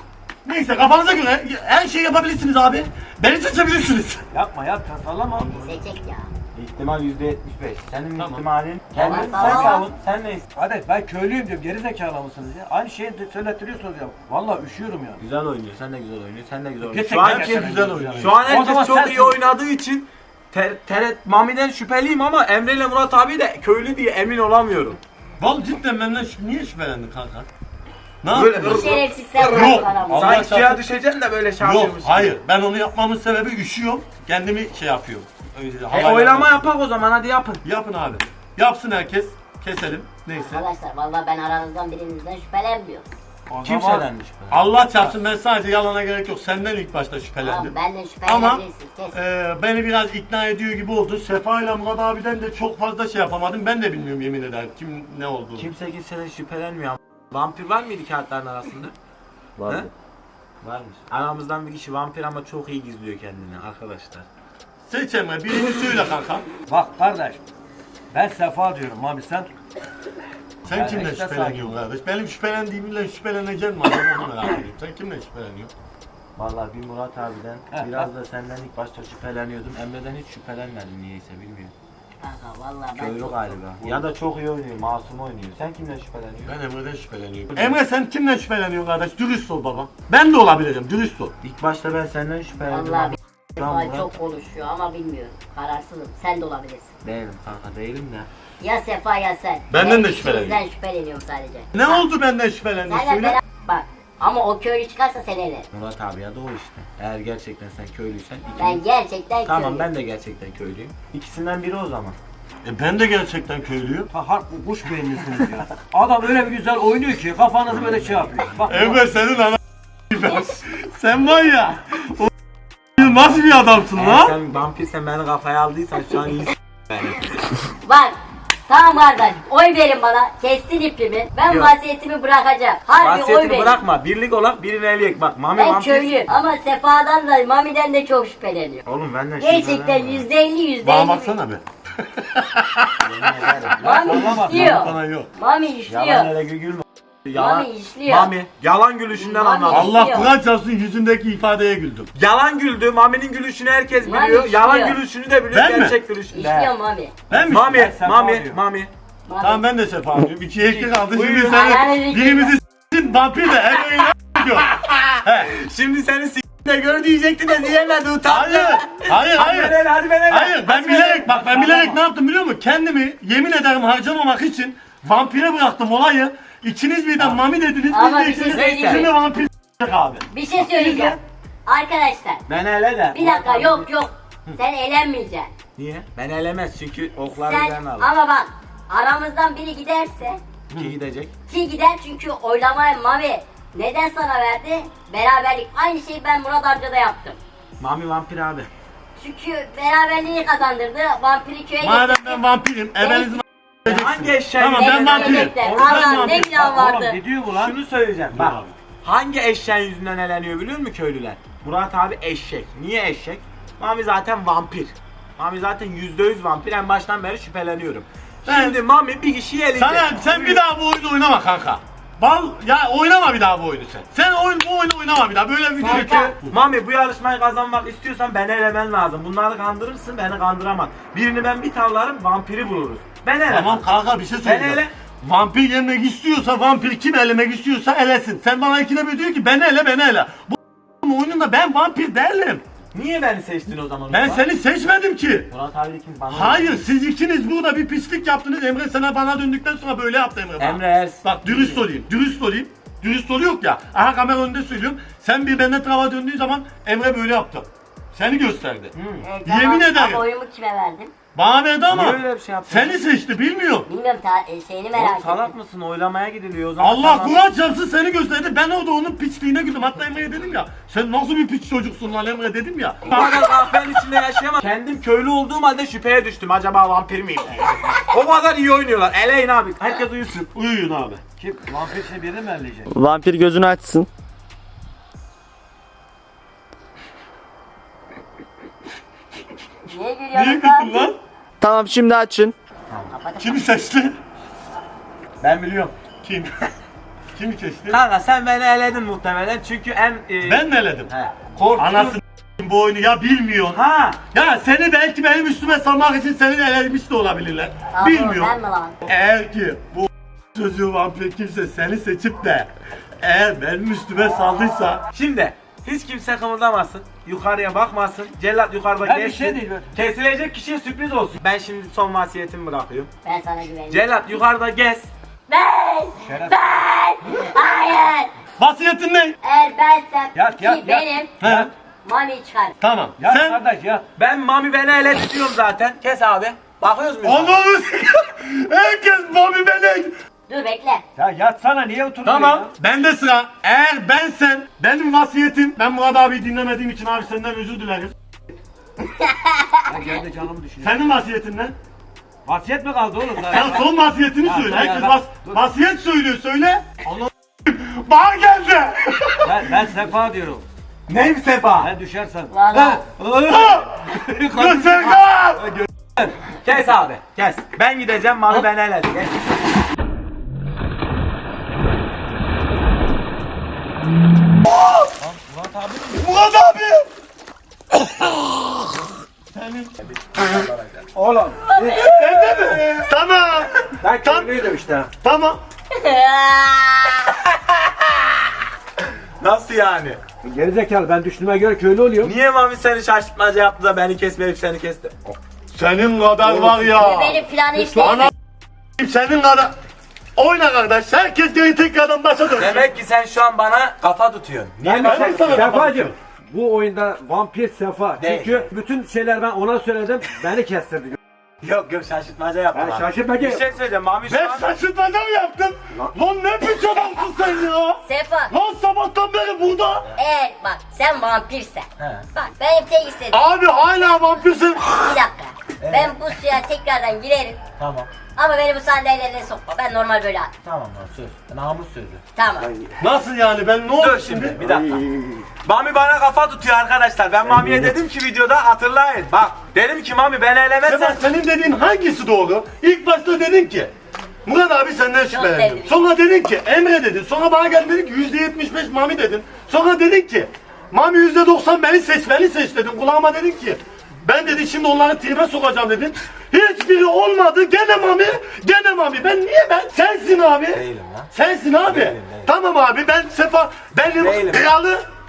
[SPEAKER 2] Neyse kafanıza göre her şeyi yapabilirsiniz abi. Beni seçebilirsiniz.
[SPEAKER 5] Yapma yap tasarlama.
[SPEAKER 4] Seçecek ya.
[SPEAKER 1] İhtimal yüzde yetmiş beş. Senin
[SPEAKER 2] Tamam.
[SPEAKER 1] ihtimalin.
[SPEAKER 4] Tamam,
[SPEAKER 1] Kendin
[SPEAKER 4] tamam.
[SPEAKER 1] sen savun. Sen neysin?
[SPEAKER 5] Hadi ben köylüyüm diyorum. Geri zekalı mısınız ya? Aynı şeyi de söylettiriyorsunuz ya. Vallahi üşüyorum ya.
[SPEAKER 1] Güzel oynuyor. Sen de güzel oynuyorsun. Sen de güzel oynuyorsun.
[SPEAKER 5] Gerçekten
[SPEAKER 1] Şu an
[SPEAKER 2] Herkes
[SPEAKER 1] herkes,
[SPEAKER 2] güzel oynuyor.
[SPEAKER 1] şu an
[SPEAKER 5] O zaman
[SPEAKER 1] herkes çok
[SPEAKER 5] sensin.
[SPEAKER 1] iyi oynadığı için ter, ter, Mami'den şüpheliyim ama Emre ile Murat abi de köylü diye emin olamıyorum.
[SPEAKER 2] Vallahi cidden benden şüp- niye şüphelendin kanka? Ne
[SPEAKER 1] Böyle
[SPEAKER 2] yaptın?
[SPEAKER 1] ır-
[SPEAKER 4] Şerefsiz sen
[SPEAKER 2] Yok.
[SPEAKER 4] bırak bana bunu.
[SPEAKER 2] Allah
[SPEAKER 1] Sanki suya
[SPEAKER 2] çarpsın.
[SPEAKER 1] düşeceksin de böyle şey
[SPEAKER 2] Yok
[SPEAKER 1] yapıyormuş.
[SPEAKER 2] hayır ben onu yapmamın sebebi üşüyorum. Kendimi şey yapıyorum. Öyle
[SPEAKER 1] E,
[SPEAKER 2] havayla-
[SPEAKER 1] oylama yapak o zaman hadi yapın.
[SPEAKER 2] Yapın abi. Yapsın herkes. Keselim. Neyse.
[SPEAKER 4] Arkadaşlar vallahi ben aranızdan birinizden şüphelenmiyorum.
[SPEAKER 5] O
[SPEAKER 1] Kim
[SPEAKER 5] zaman-
[SPEAKER 1] söylenmiş böyle?
[SPEAKER 2] Allah çarpsın ben sadece yalana gerek yok. Senden ilk başta şüphelendim.
[SPEAKER 4] Tamam benden
[SPEAKER 2] Ama
[SPEAKER 4] şüphelenebilirsin. Kes.
[SPEAKER 2] e, beni biraz ikna ediyor gibi oldu. Sefa ile Murat abiden de çok fazla şey yapamadım. Ben de bilmiyorum yemin ederim kim ne olduğunu.
[SPEAKER 1] Kimse kimseden şüphelenmiyor. Vampir var mıydı kağıtların arasında? Vardı. Varmış. Aramızdan bir kişi vampir ama çok iyi gizliyor kendini arkadaşlar.
[SPEAKER 2] Seç Emre birini söyle kanka.
[SPEAKER 5] Bak kardeş. Ben Sefa diyorum Mami sen.
[SPEAKER 2] Sen
[SPEAKER 5] Ben
[SPEAKER 2] kimle
[SPEAKER 5] işte
[SPEAKER 2] şüpheleniyorsun kardeş? Benim şüphelendiğimle şüpheleneceğim mi? Acaba onu merak ediyorum. Sen kimle şüpheleniyorsun?
[SPEAKER 1] Vallahi bir Murat abiden,
[SPEAKER 5] Heh,
[SPEAKER 1] biraz da senden ilk başta şüpheleniyordum. Emre'den hiç şüphelenmedim niyeyse bilmiyorum.
[SPEAKER 4] Kanka vallahi ben
[SPEAKER 1] Köylü
[SPEAKER 4] çok...
[SPEAKER 1] galiba. Ya da çok iyi oynuyor, masum oynuyor. Sen kimden şüpheleniyorsun?
[SPEAKER 2] Ben Emre'den şüpheleniyorum. Emre sen kimle şüpheleniyorsun kardeş? Dürüst ol baba. Ben de olabilirim. Dürüst ol.
[SPEAKER 1] İlk başta ben senden şüphelendim.
[SPEAKER 4] Vallahi
[SPEAKER 1] ama
[SPEAKER 4] bir
[SPEAKER 1] şu an
[SPEAKER 4] Sefa
[SPEAKER 1] Murat
[SPEAKER 4] çok konuşuyor ama bilmiyorum. Kararsızım. Sen de olabilirsin.
[SPEAKER 1] değilim kanka değilim de.
[SPEAKER 4] Ya Sefa ya sen.
[SPEAKER 2] Benden
[SPEAKER 4] Ben
[SPEAKER 2] de şüpheleniyorum.
[SPEAKER 4] ikimizden şüpheleniyorum sadece.
[SPEAKER 2] Ne oldu benden şüphelendin?
[SPEAKER 4] Senle
[SPEAKER 2] Söyle.
[SPEAKER 4] beraber bak. Ama o köylü çıkarsa sen ele.
[SPEAKER 1] Murat abi ya da o işte. Eğer gerçekten sen köylüysen
[SPEAKER 4] Ben
[SPEAKER 1] ikimiz...
[SPEAKER 4] gerçekten
[SPEAKER 1] Tamam
[SPEAKER 4] köylüyüm.
[SPEAKER 1] ben de gerçekten köylüyüm. İkisinden biri o zaman.
[SPEAKER 2] E ben de gerçekten köylüyüm.
[SPEAKER 5] Ha harp kuş beyinlisiniz ya. Adam öyle bir güzel oynuyor ki kafanızı böyle şey yapıyor. Bak
[SPEAKER 2] Emre senin ana sen var ya o nasıl bir adamsın
[SPEAKER 1] Eğer
[SPEAKER 2] lan?
[SPEAKER 1] sen vampirsen beni kafaya aldıysan şu an iyi beni.
[SPEAKER 4] Bak. Tamam kardeş. Oy verin bana. Kestin ipimi. Ben
[SPEAKER 1] Yok.
[SPEAKER 4] vasiyetimi bırakacağım. Harbi oy
[SPEAKER 1] Vasiyetini
[SPEAKER 4] verin.
[SPEAKER 1] bırakma. Birlik olak birini eleyek. Bak Mami
[SPEAKER 4] Ben
[SPEAKER 1] vampir.
[SPEAKER 4] köylüyüm. Ama Sefa'dan da Mami'den de çok şüpheleniyor.
[SPEAKER 1] Oğlum benden
[SPEAKER 4] Gerçekten
[SPEAKER 1] şüphelenme.
[SPEAKER 4] yüzde elli yüzde
[SPEAKER 2] Bana
[SPEAKER 4] elli.
[SPEAKER 2] baksana be.
[SPEAKER 4] Mami
[SPEAKER 5] Sallama.
[SPEAKER 4] işliyor.
[SPEAKER 2] Sana yok.
[SPEAKER 4] Mami
[SPEAKER 1] Yalan
[SPEAKER 4] işliyor.
[SPEAKER 1] hele gülme. Yalan.
[SPEAKER 4] Mami işliyor.
[SPEAKER 1] Mami. Yalan gülüşünden
[SPEAKER 4] Mami.
[SPEAKER 1] anladım.
[SPEAKER 2] Allah
[SPEAKER 4] Yok.
[SPEAKER 2] Kur'an çarpsın yüzündeki ifadeye güldüm.
[SPEAKER 1] Yalan güldü. Mami'nin gülüşünü herkes
[SPEAKER 4] Mami
[SPEAKER 1] biliyor.
[SPEAKER 4] işliyor.
[SPEAKER 1] Yalan gülüşünü de biliyor.
[SPEAKER 2] Ben mi?
[SPEAKER 1] Gerçek gülüşünü de.
[SPEAKER 4] İşliyor Mami.
[SPEAKER 2] Ben mi?
[SPEAKER 1] Mami,
[SPEAKER 5] Ben Sefa
[SPEAKER 1] Mami,
[SPEAKER 5] diyorum.
[SPEAKER 1] Mami.
[SPEAKER 4] Mami.
[SPEAKER 2] Tamam ben de sefa diyorum. İkiye iki kaldı. Şimdi
[SPEAKER 1] Buyurun.
[SPEAKER 2] sen
[SPEAKER 4] Ayağını
[SPEAKER 2] birimizi s**tin vampir de Emre'yi ne diyor? He.
[SPEAKER 1] Şimdi seni s***de gör diyecektin de diyemedi utandı.
[SPEAKER 2] Hayır. Hayır
[SPEAKER 1] Hadi
[SPEAKER 2] hayır.
[SPEAKER 1] ben el, hadi ben el.
[SPEAKER 2] Hayır ben
[SPEAKER 1] Hadi
[SPEAKER 2] bilerek bak ben bilerek
[SPEAKER 5] Tamam.
[SPEAKER 2] ne yaptım biliyor musun? Kendimi yemin ederim harcamamak için vampire bıraktım olayı. İkiniz birden mami dediniz.
[SPEAKER 4] Ama
[SPEAKER 2] Biz de
[SPEAKER 4] bir şey
[SPEAKER 2] ikiniz
[SPEAKER 4] söyleyeyim.
[SPEAKER 2] şimdi vampir s**tik abi.
[SPEAKER 4] Bir şey söyleyeceğim. Arkadaşlar
[SPEAKER 1] Ben hele de.
[SPEAKER 4] bir dakika yok yok. Sen eğlenmeyeceksin.
[SPEAKER 1] Niye? Ben elemez çünkü okları
[SPEAKER 4] Sen
[SPEAKER 1] üzerine alır.
[SPEAKER 4] ama bak aramızdan biri giderse
[SPEAKER 1] Ki gidecek.
[SPEAKER 4] ki gider çünkü oylamayı Mavi neden sana verdi? Beraberlik. Aynı şeyi ben Murat amcada yaptım.
[SPEAKER 1] Mami vampir abi.
[SPEAKER 4] Çünkü beraberliği kazandırdı. Vampiri köye
[SPEAKER 2] Madem
[SPEAKER 4] getirdi.
[SPEAKER 2] ben vampirim, ebenizin
[SPEAKER 1] Hangi eşeğin
[SPEAKER 2] Tamam, ben
[SPEAKER 1] yüzünden-
[SPEAKER 2] vampirim.
[SPEAKER 4] Bekle,
[SPEAKER 2] Oğlum, ben
[SPEAKER 4] Allah'ım ne
[SPEAKER 2] vampirim.
[SPEAKER 4] günah vardı.
[SPEAKER 5] Oğlum ne diyor bu lan?
[SPEAKER 1] Şunu söyleyeceğim bak.
[SPEAKER 2] abi.
[SPEAKER 1] Hangi eşeğin yüzünden eleniyor biliyor musun köylüler? Murat abi eşek. Niye eşek? Mami zaten vampir. Mami zaten yüzde yüz vampir. En baştan beri şüpheleniyorum.
[SPEAKER 2] Ben-
[SPEAKER 1] Şimdi Mami bir kişiyi eleyecek.
[SPEAKER 2] Sana sen bir daha bu oyunu oynama kanka. Bal ya oynama bir daha bu oyunu sen. Sen oyun bu oyunu oynama bir daha. Böyle bir video
[SPEAKER 1] Çünkü Mami bu yarışmayı kazanmak istiyorsan beni elemen lazım. Bunları kandırırsın, beni kandıramaz. Birini ben bir tavlarım, vampiri buluruz. Ben elemem.
[SPEAKER 2] Tamam kanka bir şey söyleyeceğim.
[SPEAKER 1] ele-
[SPEAKER 2] Vampir yemek istiyorsa, vampir kim elemek istiyorsa elesin. Sen bana ikide bir diyor ki beni ele, beni ele. Bu oyununda ben vampir değilim.
[SPEAKER 1] Niye beni seçtin o zaman?
[SPEAKER 2] Ben
[SPEAKER 1] Murat?
[SPEAKER 2] seni seçmedim ki.
[SPEAKER 1] Murat abi kim bana?
[SPEAKER 2] Hayır, siz ikiniz burada bir pislik yaptınız. Emre sana bana döndükten sonra böyle yaptı Emre bana.
[SPEAKER 1] Emre Ers.
[SPEAKER 2] Bak dürüst olayım, dürüst olayım. Dürüst olu yok ya. Aha kamera önünde söylüyorum. Sen bir benden trava döndüğü zaman Emre böyle yaptı. Seni gösterdi.
[SPEAKER 4] Evet,
[SPEAKER 2] Yemin
[SPEAKER 4] tamam.
[SPEAKER 2] ederim.
[SPEAKER 4] Ama oyumu kime verdim?
[SPEAKER 2] Bana verdi ama
[SPEAKER 1] Niye öyle bir şey yaptın?
[SPEAKER 2] seni seçti bilmiyorum.
[SPEAKER 4] Bilmiyorum ta- e, şeyini merak
[SPEAKER 1] Oğlum
[SPEAKER 4] ettim.
[SPEAKER 1] salak mısın? Oylamaya gidiliyor o zaman.
[SPEAKER 2] Allah
[SPEAKER 1] Tamam.
[SPEAKER 2] Kur'an çarpsın seni gösterdi. Ben orada onun piçliğine güldüm. Hatta Emre'ye dedim ya. Sen nasıl bir piç çocuksun lan Emre dedim ya.
[SPEAKER 1] Bu kadar kahvenin içinde yaşayamam. Kendim köylü olduğum halde şüpheye düştüm. Acaba vampir miyim? O kadar iyi oynuyorlar. Eleyin abi. Herkes uyusun.
[SPEAKER 2] Uyuyun abi.
[SPEAKER 5] Kim? Vampir şey birini mi elleyecek?
[SPEAKER 7] Vampir gözünü açsın.
[SPEAKER 4] Niye
[SPEAKER 2] Niye
[SPEAKER 4] gülüyorsun
[SPEAKER 2] gültün lan?
[SPEAKER 7] Tamam şimdi açın.
[SPEAKER 2] Kimi seçti?
[SPEAKER 1] Ben biliyorum.
[SPEAKER 2] Kim? Kimi seçti?
[SPEAKER 1] Kanka sen beni eledin muhtemelen çünkü en... e,
[SPEAKER 2] Ben mi eledim?
[SPEAKER 1] He. Korktum.
[SPEAKER 2] Anasını bu oyunu ya bilmiyorsun.
[SPEAKER 1] Ha.
[SPEAKER 2] Ya seni belki benim üstüme salmak için seni de elemiş de olabilirler.
[SPEAKER 4] Aa,
[SPEAKER 2] Bilmiyorum.
[SPEAKER 4] Ben mi lan?
[SPEAKER 2] Eğer ki bu çocuğu vampir kimse seni seçip de eğer benim üstüme saldıysa
[SPEAKER 1] Şimdi hiç kimse kımıldamasın. Yukarıya bakmasın. Cellat yukarıda
[SPEAKER 5] Ben bir
[SPEAKER 1] geçsin.
[SPEAKER 5] şey değil, ben-
[SPEAKER 1] Kesilecek kişiye sürpriz olsun. Ben şimdi son vasiyetimi bırakıyorum.
[SPEAKER 4] Ben sana güveniyorum.
[SPEAKER 1] Cellat yukarıda gez.
[SPEAKER 4] Ben!
[SPEAKER 5] Şeref.
[SPEAKER 4] Ben! Hayır!
[SPEAKER 2] vasiyetin ne?
[SPEAKER 4] Eğer bensem
[SPEAKER 5] Yat,
[SPEAKER 4] ki
[SPEAKER 5] yat, yat.
[SPEAKER 4] benim
[SPEAKER 2] He?
[SPEAKER 4] Mami'yi çıkar.
[SPEAKER 2] Tamam.
[SPEAKER 5] Ya
[SPEAKER 2] Sen
[SPEAKER 5] kardeş ya.
[SPEAKER 1] Ben Mami beni eledi diyorum zaten. Kes abi. Bakıyoruz muyuz?
[SPEAKER 2] Allah'ım herkes Bobby Belek.
[SPEAKER 4] Dur bekle.
[SPEAKER 5] Ya yatsana niye oturuyorsun
[SPEAKER 2] Tamam.
[SPEAKER 5] ya?
[SPEAKER 2] Bende sıra. Eğer bensen benim vasiyetim. Ben Murat abi dinlemediğim için abi senden özür dilerim.
[SPEAKER 5] Ya gel de canımı düşünüyor.
[SPEAKER 2] Senin vasiyetin ne?
[SPEAKER 5] Vasiyet mi kaldı oğlum?
[SPEAKER 2] Sen son vasiyetini
[SPEAKER 5] Ya,
[SPEAKER 2] söyle.
[SPEAKER 5] dur ya,
[SPEAKER 2] Herkes
[SPEAKER 5] ben-
[SPEAKER 2] vas
[SPEAKER 5] dur.
[SPEAKER 2] vasiyet söylüyor söyle. Allah bana geldi.
[SPEAKER 5] Ben, ben sefa diyorum.
[SPEAKER 1] Neyim Sefa?
[SPEAKER 5] Ben düşersem.
[SPEAKER 4] Lan lan.
[SPEAKER 2] Göstergan.
[SPEAKER 1] Kes abi. Kes. Ben gideceğim Mami beni eledi. Geç.
[SPEAKER 2] Murat abi. Senin.
[SPEAKER 1] Oğlum.
[SPEAKER 2] Sende mi? Tamam.
[SPEAKER 1] Ben
[SPEAKER 2] Tam-
[SPEAKER 1] köylüydüm işte.
[SPEAKER 2] Tamam.
[SPEAKER 1] Nasıl yani?
[SPEAKER 5] Gerizekalı ben düştüğüme göre köylü oluyorum.
[SPEAKER 1] Niye Mami seni şaşırtmaca yaptı da beni kesmeyip seni kesti?
[SPEAKER 2] Senin kadar var ya.
[SPEAKER 4] Benim planı işte.
[SPEAKER 2] Ana senin kadar. Oyna kardeş. Herkes geri tekrardan başa dön.
[SPEAKER 1] Demek ki sen şu an bana kafa tutuyorsun. Niye
[SPEAKER 5] Ben
[SPEAKER 2] Ben
[SPEAKER 1] bana
[SPEAKER 2] de sana
[SPEAKER 5] Sefacım. Bu oyunda vampir Sefa.
[SPEAKER 1] Değil.
[SPEAKER 5] Çünkü bütün şeyler ben ona söyledim. Beni kestirdi.
[SPEAKER 1] Yok yok şaşırtmaca yaptım.
[SPEAKER 5] Ben
[SPEAKER 1] abi.
[SPEAKER 5] şaşırtmaca-
[SPEAKER 1] Bir şey söyleyeceğim Mami şu
[SPEAKER 2] Ben
[SPEAKER 1] an...
[SPEAKER 2] şaşırtmaca mı yaptım? Lan ne biçim adamsın sen ya?
[SPEAKER 4] Sefa.
[SPEAKER 2] Lan sabahtan beri burada.
[SPEAKER 4] Eğer bak sen vampirsen.
[SPEAKER 1] He.
[SPEAKER 4] Bak benim tek istediğim.
[SPEAKER 2] Abi hala vampirsin.
[SPEAKER 4] Bir dakika. Ben bu suya tekrardan girerim.
[SPEAKER 1] Tamam.
[SPEAKER 4] Ama beni bu sandalyelerine sokma. Ben normal böyle at.
[SPEAKER 1] Tamam lan söz. Namus sözü.
[SPEAKER 4] Tamam.
[SPEAKER 2] Nasıl yani ben ne
[SPEAKER 1] Dur
[SPEAKER 2] oldu
[SPEAKER 1] şimdi
[SPEAKER 2] şimdi?
[SPEAKER 1] bir dakika. Mami bana kafa tutuyor arkadaşlar. Ben Mami'ye dedim ki videoda hatırlayın. Bak dedim ki Mami beni elemezsen...
[SPEAKER 2] Sebat senin dediğin hangisi doğru? İlk başta dedin ki Murat abi senden şüphelendim.
[SPEAKER 4] sevdim.
[SPEAKER 2] Sonra dedin ki Emre dedin. Sonra bana geldin dedin ki yüzde yetmiş beş Mami dedin. Sonra dedin ki Mami yüzde doksan beni seç beni seç dedin. Kulağıma dedin ki ben dedi şimdi onları tribe sokacağım dedin. Hiçbiri olmadı. Gene Mami. Gene Mami. Ben niye ben? Sensin abi.
[SPEAKER 1] Değilim lan.
[SPEAKER 2] Sensin abi.
[SPEAKER 1] Değilim, değilim.
[SPEAKER 2] Tamam abi ben Sefa benim
[SPEAKER 1] Değilim.
[SPEAKER 2] kralı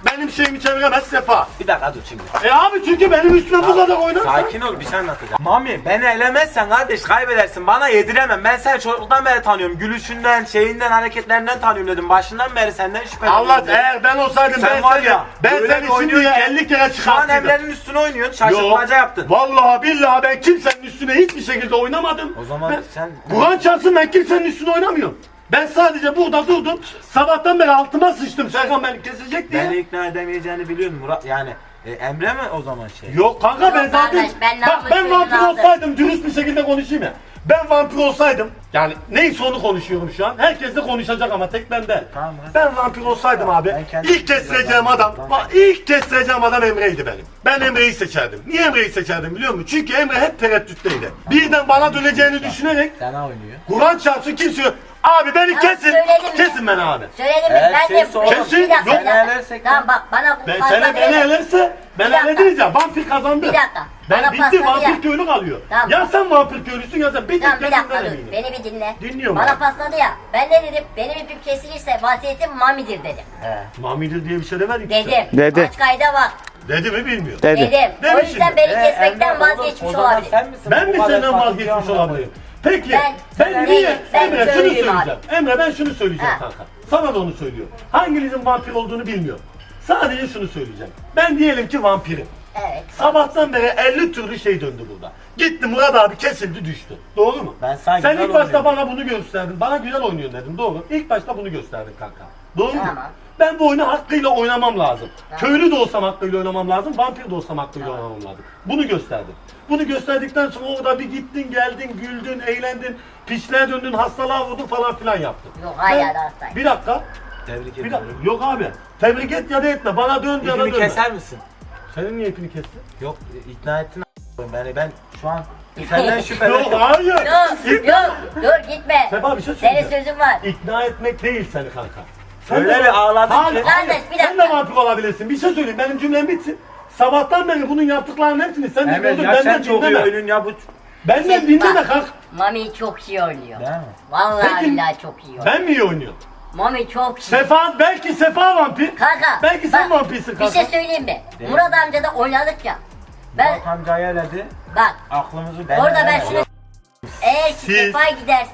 [SPEAKER 2] benim şeyimi çeviremez Sefa.
[SPEAKER 1] Bir dakika dur şimdi.
[SPEAKER 2] E abi çünkü benim üstüme bu kadar oynarsan.
[SPEAKER 1] Sakin ol, bir şey anlatacağım. Mami, beni elemezsen kardeş kaybedersin. Bana yediremem. Ben seni çocukluktan beri tanıyorum. Gülüşünden, şeyinden, hareketlerinden tanıyorum dedim. Başından beri senden şüpheleniyorum.
[SPEAKER 2] Allah
[SPEAKER 1] dedim.
[SPEAKER 2] eğer ben olsaydım
[SPEAKER 1] Sen
[SPEAKER 2] ben
[SPEAKER 1] var
[SPEAKER 2] seni,
[SPEAKER 1] ya,
[SPEAKER 2] ben
[SPEAKER 1] öyle
[SPEAKER 2] seni
[SPEAKER 1] bir
[SPEAKER 2] şimdiye
[SPEAKER 1] oynuyorsun ki,
[SPEAKER 2] elli kere
[SPEAKER 1] Şu an
[SPEAKER 2] çıkarttım.
[SPEAKER 1] Emre'nin üstüne oynuyorsun. Şaşırtmaca yaptın.
[SPEAKER 2] Vallahi billahi ben kimsenin üstüne hiçbir şekilde oynamadım.
[SPEAKER 1] O zaman
[SPEAKER 2] ben,
[SPEAKER 1] sen-
[SPEAKER 2] Kur'an çarpsın ben kimsenin üstüne oynamıyorum. Ben sadece burada durdum. Sabahtan beri altıma sıçtım. Serkan beni kesecek diye.
[SPEAKER 1] Beni ikna edemeyeceğini biliyorsun Murat. Yani e, Emre mi o zaman şey?
[SPEAKER 2] Yok kanka
[SPEAKER 4] Yok
[SPEAKER 2] ben zaten
[SPEAKER 4] kardeş, ben
[SPEAKER 2] bak
[SPEAKER 4] namus
[SPEAKER 2] ben
[SPEAKER 4] sözünü
[SPEAKER 2] vampir
[SPEAKER 4] aldım.
[SPEAKER 2] olsaydım dürüst bir şekilde konuşayım ya. Ben vampir olsaydım yani neyse onu konuşuyorum şu an. Herkes de konuşacak ama tek ben değil.
[SPEAKER 1] Tamam.
[SPEAKER 2] Ben vampir olsaydım abi
[SPEAKER 1] Ben kendim-
[SPEAKER 2] ilk kestireceğim adam bak, ilk kestireceğim adam Emre'ydi benim. Ben Emre'yi seçerdim. Niye Emre'yi seçerdim biliyor musun? Çünkü Emre hep tereddütteydi. Birden bana döneceğini düşünerek
[SPEAKER 1] Sana oynuyor.
[SPEAKER 2] Kur'an çarpsın kimse yok. Abi beni
[SPEAKER 4] Ya
[SPEAKER 2] kesin.
[SPEAKER 4] söyledim
[SPEAKER 2] Kesin beni abi.
[SPEAKER 4] Söyledim mi?
[SPEAKER 1] Eğer
[SPEAKER 4] Ben
[SPEAKER 1] şey
[SPEAKER 4] de...
[SPEAKER 1] sor-
[SPEAKER 4] Bir
[SPEAKER 2] Kesin,
[SPEAKER 4] dakika,
[SPEAKER 2] yok.
[SPEAKER 4] bir dakika.
[SPEAKER 1] Elersek
[SPEAKER 4] Tamam bak bana
[SPEAKER 2] Ben
[SPEAKER 4] pasta
[SPEAKER 2] seni beni
[SPEAKER 4] verelim.
[SPEAKER 2] elerse ben
[SPEAKER 4] Bir dakika.
[SPEAKER 2] halledeceğim. Vampir kazandı.
[SPEAKER 4] Bir dakika.
[SPEAKER 2] Ben
[SPEAKER 4] Bana
[SPEAKER 2] bitti
[SPEAKER 4] pasladı
[SPEAKER 2] vampir
[SPEAKER 4] ya.
[SPEAKER 2] köylü kalıyor.
[SPEAKER 4] Tamam.
[SPEAKER 2] Ya sen vampir köylüsün ya sen bir
[SPEAKER 4] Tamam
[SPEAKER 2] tek
[SPEAKER 4] bir dakika
[SPEAKER 2] kendinden
[SPEAKER 4] dur.
[SPEAKER 2] eminim.
[SPEAKER 4] Beni bir dinle.
[SPEAKER 2] Dinliyorum
[SPEAKER 4] Bana
[SPEAKER 2] abi.
[SPEAKER 4] pasladı ya. Ben ne dedim? Benim ipim kesilirse vasiyetim Mami'dir dedim.
[SPEAKER 2] Mamidir diye bir şey demedik ki.
[SPEAKER 4] Dedim.
[SPEAKER 7] Dedi.
[SPEAKER 4] Aç kayda bak.
[SPEAKER 2] Dedi mi bilmiyorum.
[SPEAKER 7] Dedi.
[SPEAKER 4] Dedim.
[SPEAKER 2] Değil
[SPEAKER 4] O
[SPEAKER 2] mi
[SPEAKER 4] yüzden
[SPEAKER 2] şimdi?
[SPEAKER 4] beni
[SPEAKER 1] E,
[SPEAKER 4] kesmekten
[SPEAKER 1] Emre, oğlum,
[SPEAKER 4] vazgeçmiş
[SPEAKER 1] o zaman
[SPEAKER 4] olabilir.
[SPEAKER 1] sen misin?
[SPEAKER 2] Ben
[SPEAKER 1] Bu
[SPEAKER 2] mi
[SPEAKER 1] kadar
[SPEAKER 2] senden
[SPEAKER 1] farklı
[SPEAKER 2] vazgeçmiş
[SPEAKER 1] amına
[SPEAKER 2] olabilirim? Peki
[SPEAKER 4] Ben-
[SPEAKER 2] ben,
[SPEAKER 4] ben
[SPEAKER 2] niye?
[SPEAKER 4] değilim, ben
[SPEAKER 2] Emre şunu
[SPEAKER 4] köylüyüm
[SPEAKER 2] söyleyeceğim. Emre ben şunu söyleyeceğim
[SPEAKER 4] Ha.
[SPEAKER 2] kanka. Sana da onu söylüyorum. Hanginizin vampir olduğunu bilmiyorum. Sadece şunu söyleyeceğim. Ben diyelim ki vampirim.
[SPEAKER 4] Evet.
[SPEAKER 2] Sabahtan beri elli türlü şey döndü burada. Gitti Murat abi kesildi düştü. Doğru mu?
[SPEAKER 1] Ben sana
[SPEAKER 2] Sen
[SPEAKER 1] güzel
[SPEAKER 2] ilk başta
[SPEAKER 1] oynuyorum.
[SPEAKER 2] bana bunu gösterdin. Bana güzel oynuyorsun dedim. Doğru. İlk başta bunu gösterdin kanka. Doğru mu?
[SPEAKER 4] Tamam.
[SPEAKER 2] Ben bu oyunu hakkıyla oynamam lazım. Köylü de olsam hakkıyla oynamam lazım. Vampir de olsam hakkıyla oynamam lazım. Bunu gösterdim. Bunu gösterdikten sonra orada bir gittin, geldin, güldün, eğlendin, piçliğe döndün, hastalığa vurdun falan filan yaptın.
[SPEAKER 4] Yok, hala
[SPEAKER 2] Ben-
[SPEAKER 4] da hastayım.
[SPEAKER 2] Bir dakika.
[SPEAKER 1] Tebrik
[SPEAKER 2] Bir
[SPEAKER 1] ederim.
[SPEAKER 2] dakika. Yok abi. Tebrik et ya da etme. Bana dön ya da
[SPEAKER 1] İpini
[SPEAKER 2] dönme.
[SPEAKER 1] keser misin?
[SPEAKER 2] Senin niye ipini kestin?
[SPEAKER 1] Yok ikna ettin a**ım beni. Ben şu an senden
[SPEAKER 2] Yok
[SPEAKER 1] şüpheleniyorum.
[SPEAKER 2] hayır.
[SPEAKER 4] Yok yok dur gitme.
[SPEAKER 2] Sefa bir şey
[SPEAKER 4] Senin
[SPEAKER 2] söyleyeceğim.
[SPEAKER 4] sözün var.
[SPEAKER 2] İkna etmek değil seni kanka.
[SPEAKER 1] Öyle
[SPEAKER 2] de-
[SPEAKER 1] bir ağladın
[SPEAKER 2] Hayır,
[SPEAKER 1] ki.
[SPEAKER 2] hayır.
[SPEAKER 4] Kardeş, bir
[SPEAKER 2] Sen de
[SPEAKER 4] dakika.
[SPEAKER 2] vampir olabilirsin. Bir şey söyleyeyim. Benim cümlem bitsin. Sabahtan beri bunun yaptıklarının hepsini sen de
[SPEAKER 1] Emre
[SPEAKER 2] gördün.
[SPEAKER 1] ya sen
[SPEAKER 2] Benden
[SPEAKER 1] çok iyi
[SPEAKER 2] dinleme.
[SPEAKER 1] oyunun ya bu.
[SPEAKER 2] Benden
[SPEAKER 4] Sen-
[SPEAKER 2] dinleme
[SPEAKER 4] bak,
[SPEAKER 2] kanka.
[SPEAKER 4] Mami çok iyi oynuyor.
[SPEAKER 1] Değil mi?
[SPEAKER 4] Vallahi
[SPEAKER 2] Peki,
[SPEAKER 4] billahi çok iyi oynuyor.
[SPEAKER 2] Ben mi iyi oynuyorum?
[SPEAKER 4] Mami çok iyi.
[SPEAKER 2] Sefa, belki Sefa vampir.
[SPEAKER 4] Kanka.
[SPEAKER 2] Belki sen
[SPEAKER 4] bak,
[SPEAKER 2] vampirsin
[SPEAKER 4] Bir
[SPEAKER 2] kanka.
[SPEAKER 4] şey söyleyeyim mi? Murat amca da oynadık ya. Ben
[SPEAKER 1] Murat amcayı eledi.
[SPEAKER 4] bak
[SPEAKER 1] Aklımızı ben
[SPEAKER 4] orada ben şunu eğer ki
[SPEAKER 2] Siz-
[SPEAKER 4] Sefa giderse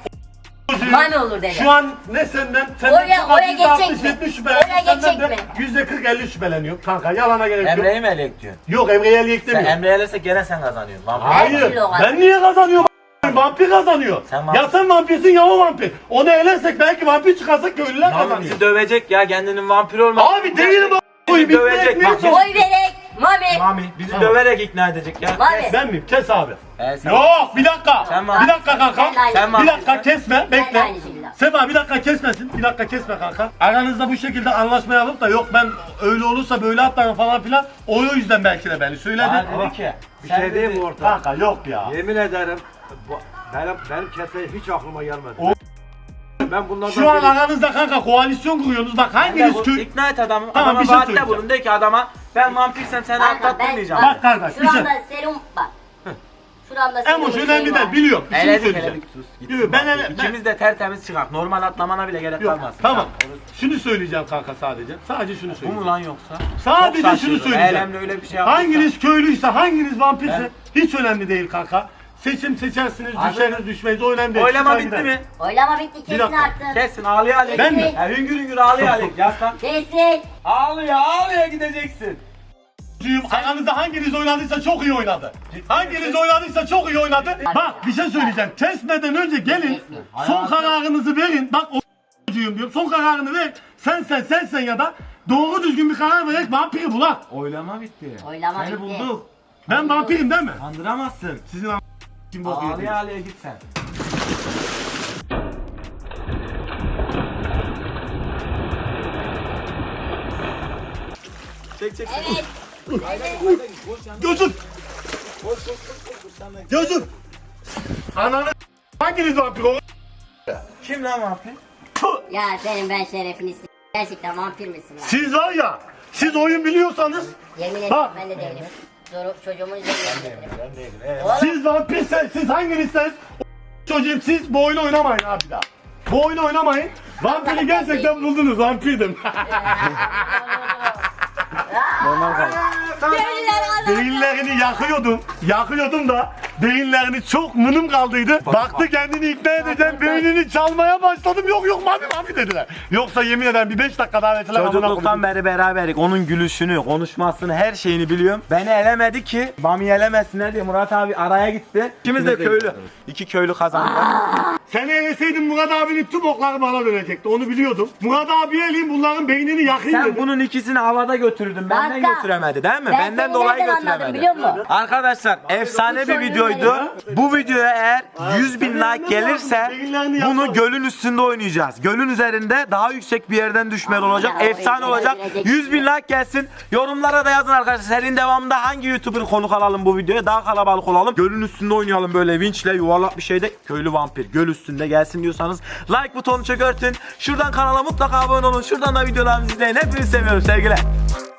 [SPEAKER 4] Mami olur dedi.
[SPEAKER 2] Şu an ne senden, senden
[SPEAKER 4] Oraya-
[SPEAKER 2] çok az
[SPEAKER 4] oraya
[SPEAKER 2] yüzde altmış,
[SPEAKER 4] geçecek mi?
[SPEAKER 2] yetmiş şüpheleniyorum.
[SPEAKER 4] Oraya
[SPEAKER 2] Senden
[SPEAKER 4] geçecek
[SPEAKER 2] de
[SPEAKER 4] mi?
[SPEAKER 2] yüzde kırk elli şüpheleniyorum kanka. Yalana gerek yok.
[SPEAKER 1] Emre'yi mi elek diyorsun?
[SPEAKER 2] Yok Emre'yi eleyek
[SPEAKER 1] Sen
[SPEAKER 2] demiyorum.
[SPEAKER 1] Emre'yi elese gene sen kazanıyorsun. Vampir.
[SPEAKER 2] Hayır.
[SPEAKER 4] türlü o
[SPEAKER 2] Ben niye kazanıyorum? Vampir kazanıyor.
[SPEAKER 1] Sen vampir-
[SPEAKER 2] Ya sen vampirsin ya o vampir. Onu elersek belki vampir çıkarsak köylüler
[SPEAKER 1] Mami
[SPEAKER 2] kazanıyor.
[SPEAKER 1] bizi dövecek ya kendinin vampir olmak.
[SPEAKER 2] Abi değilim o.
[SPEAKER 1] Bizi
[SPEAKER 2] Bizi
[SPEAKER 1] dövecek. Bak,
[SPEAKER 2] dövecek.
[SPEAKER 4] Oy verek Mami.
[SPEAKER 1] Mami bizi
[SPEAKER 2] Tamam.
[SPEAKER 1] döverek ikna edecek ya.
[SPEAKER 4] Mami.
[SPEAKER 2] Ben miyim? Kes abi.
[SPEAKER 1] Ee, sen-
[SPEAKER 2] Yok bir dakika.
[SPEAKER 1] Sen
[SPEAKER 2] bir
[SPEAKER 1] vampir.
[SPEAKER 2] dakika kanka.
[SPEAKER 4] Ben de aynı.
[SPEAKER 1] Sen
[SPEAKER 2] Bir
[SPEAKER 1] vampir.
[SPEAKER 2] dakika kesme.
[SPEAKER 4] Ben de
[SPEAKER 2] Bekle.
[SPEAKER 4] aynı şekilde.
[SPEAKER 2] Sefa bir dakika kesmesin. Bir dakika kesme kanka. Aranızda bu şekilde anlaşma yapıp da yok ben öyle olursa böyle atlarım falan filan. O yüzden belki de beni söyledi.
[SPEAKER 1] Bana dedi ki.
[SPEAKER 5] Bir
[SPEAKER 1] sen
[SPEAKER 5] şey diyeyim
[SPEAKER 1] dedi-
[SPEAKER 5] mi orta?
[SPEAKER 2] Kanka yok ya.
[SPEAKER 5] Yemin ederim bu, benim, benim kesmeye hiç aklıma gelmedi.
[SPEAKER 2] O-
[SPEAKER 5] Ben bunlardan
[SPEAKER 2] Şu an
[SPEAKER 5] biri-
[SPEAKER 2] aranızda kanka koalisyon kuruyorsunuz. Bak
[SPEAKER 1] Sen de
[SPEAKER 2] hanginiz
[SPEAKER 1] bu-
[SPEAKER 2] köy...
[SPEAKER 1] ikna et adamı.
[SPEAKER 2] Tamam,
[SPEAKER 1] adama
[SPEAKER 2] bir şey
[SPEAKER 1] vaatte
[SPEAKER 2] söyleyeceğim.
[SPEAKER 1] bulun de ki adama ben vampirsem seni
[SPEAKER 4] Kanka ben
[SPEAKER 1] atlattırmayacağım.
[SPEAKER 2] Bak kardeş, bir şey-
[SPEAKER 4] Şuramda serum bak. Şuramda serum
[SPEAKER 2] Emoş
[SPEAKER 4] şeyi
[SPEAKER 2] önemli
[SPEAKER 4] var.
[SPEAKER 2] değil biliyorum. Bir şey
[SPEAKER 1] Eledik
[SPEAKER 2] söyleyeceğim.
[SPEAKER 1] eledik sus. Gitsin
[SPEAKER 2] Yok, ben
[SPEAKER 1] bak.
[SPEAKER 2] ele- ben-
[SPEAKER 1] İkimiz de tertemiz çıkak. Normal atlamana bile gerek
[SPEAKER 2] Yok,
[SPEAKER 1] kalmaz.
[SPEAKER 2] tamam. Şunu söyleyeceğim kanka sadece. Sadece şunu
[SPEAKER 1] Bu
[SPEAKER 2] söyleyeceğim.
[SPEAKER 1] mu lan yoksa?
[SPEAKER 2] Sadece
[SPEAKER 1] Çok
[SPEAKER 2] şunu
[SPEAKER 1] saçma.
[SPEAKER 2] söyleyeceğim.
[SPEAKER 1] Eylemle öyle bir şey yapmışsa.
[SPEAKER 2] Hanginiz köylüyse, hanginiz vampirse
[SPEAKER 1] Ben-
[SPEAKER 2] hiç önemli değil kanka. Seçim seçersiniz,
[SPEAKER 1] Abi-
[SPEAKER 2] düşeriz düşmeyiz o önemli değil.
[SPEAKER 1] Oylama
[SPEAKER 2] Çıkar
[SPEAKER 1] bitti
[SPEAKER 2] gider.
[SPEAKER 1] mi?
[SPEAKER 4] Oylama bitti kesin
[SPEAKER 2] dakika.
[SPEAKER 4] artık.
[SPEAKER 1] Kesin ağlaya ağlaya.
[SPEAKER 2] Ben mi?
[SPEAKER 1] Ya hüngür hüngür ağlaya ağlaya. Yaslan.
[SPEAKER 4] Kesin.
[SPEAKER 1] Ağlaya ağlaya gideceksin.
[SPEAKER 2] Cüğüm, aranızda hanginiz oynadıysa çok iyi oynadı. Hanginiz oynadıysa çok iyi oynadı. Bak bir şey söyleyeceğim. Kesmeden önce gelin. Son kararınızı verin. Bak o cüğüm diyorum. Son kararını ver. Sen sen sen sen ya da doğru düzgün bir karar vererek vampiri bulak.
[SPEAKER 1] Oylama bitti.
[SPEAKER 4] Oylama
[SPEAKER 1] Seni
[SPEAKER 4] bitti.
[SPEAKER 1] bulduk.
[SPEAKER 2] Ben vampirim değil mi?
[SPEAKER 1] Kandıramazsın.
[SPEAKER 2] Sizin a** kim bok yediniz?
[SPEAKER 1] Ağlaya ağlaya git sen. Çek çek.
[SPEAKER 4] Evet.
[SPEAKER 2] Gözüm. Gözüm. Ananı hanginiz vampir o?
[SPEAKER 1] Kim lan vampir?
[SPEAKER 4] Ya senin ben şerefini s- gerçekten vampir misin lan?
[SPEAKER 2] Siz var ya, siz oyun biliyorsanız,
[SPEAKER 4] Yemin ederim
[SPEAKER 2] Bak.
[SPEAKER 4] ben de değilim. Zoru, çocuğumun üzerine getiririm.
[SPEAKER 1] Ben değilim. Evet.
[SPEAKER 4] Oğlum
[SPEAKER 2] siz vampirse, siz hanginizseniz o çocuğum siz bu oyunu oynamayın abi daha. Bu oyunu oynamayın. Vampiri gerçekten buldunuz, vampirdim.
[SPEAKER 1] Normal kaldı.
[SPEAKER 4] Köylüler kazandı.
[SPEAKER 2] Beyinlerini yakıyordum. Yakıyordum da beyinlerini çok mınım kaldıydı. Baktı kendini ikna edeceğim. Beynini çalmaya başladım. Yok yok mami mami dediler. Yoksa yemin ederim bir beş dakika daha verseler amına
[SPEAKER 1] Çocukluktan beri beraberik. Onun gülüşünü, konuşmasını, her şeyini biliyorum. Beni elemedi ki Bami elemesinler diye Murat abi araya gitti. İkimiz de köylü. İki köylü kazandılar.
[SPEAKER 2] Seni eleseydin Murat abinin tüm okları bana dönecekti. Onu biliyordum. Murat abi eleyim bunların beynini yakayım
[SPEAKER 1] Sen
[SPEAKER 2] dedim.
[SPEAKER 1] bunun ikisini havada götürdün. Benden
[SPEAKER 4] Kanka,
[SPEAKER 1] götüremedi değil mi?
[SPEAKER 4] ben
[SPEAKER 1] Benden
[SPEAKER 4] seni
[SPEAKER 1] dolayı
[SPEAKER 4] nereden anladım
[SPEAKER 1] götüremedi.
[SPEAKER 4] biliyor musun?
[SPEAKER 1] Arkadaşlar efsane bir videoydu. Bu videoya eğer yüz bin like gelirse bunu gölün üstünde oynayacağız. Gölün üzerinde daha yüksek bir yerden düşmeli olacak.
[SPEAKER 4] Aynen,
[SPEAKER 1] Efsane
[SPEAKER 4] orayı
[SPEAKER 1] olacak.
[SPEAKER 4] görecek.
[SPEAKER 1] yüz bin like gelsin. Yorumlara da yazın arkadaşlar. Serinin devamında hangi YouTuber konuk alalım bu videoya? Daha kalabalık olalım. Gölün üstünde oynayalım böyle vinçle yuvarlak bir şeyde. Köylü vampir göl üstünde gelsin diyorsanız like butonunu çökertin. Şuradan kanala mutlaka abone olun. Şuradan da videolarımızı izleyin. Hepinizi seviyorum sevgiler.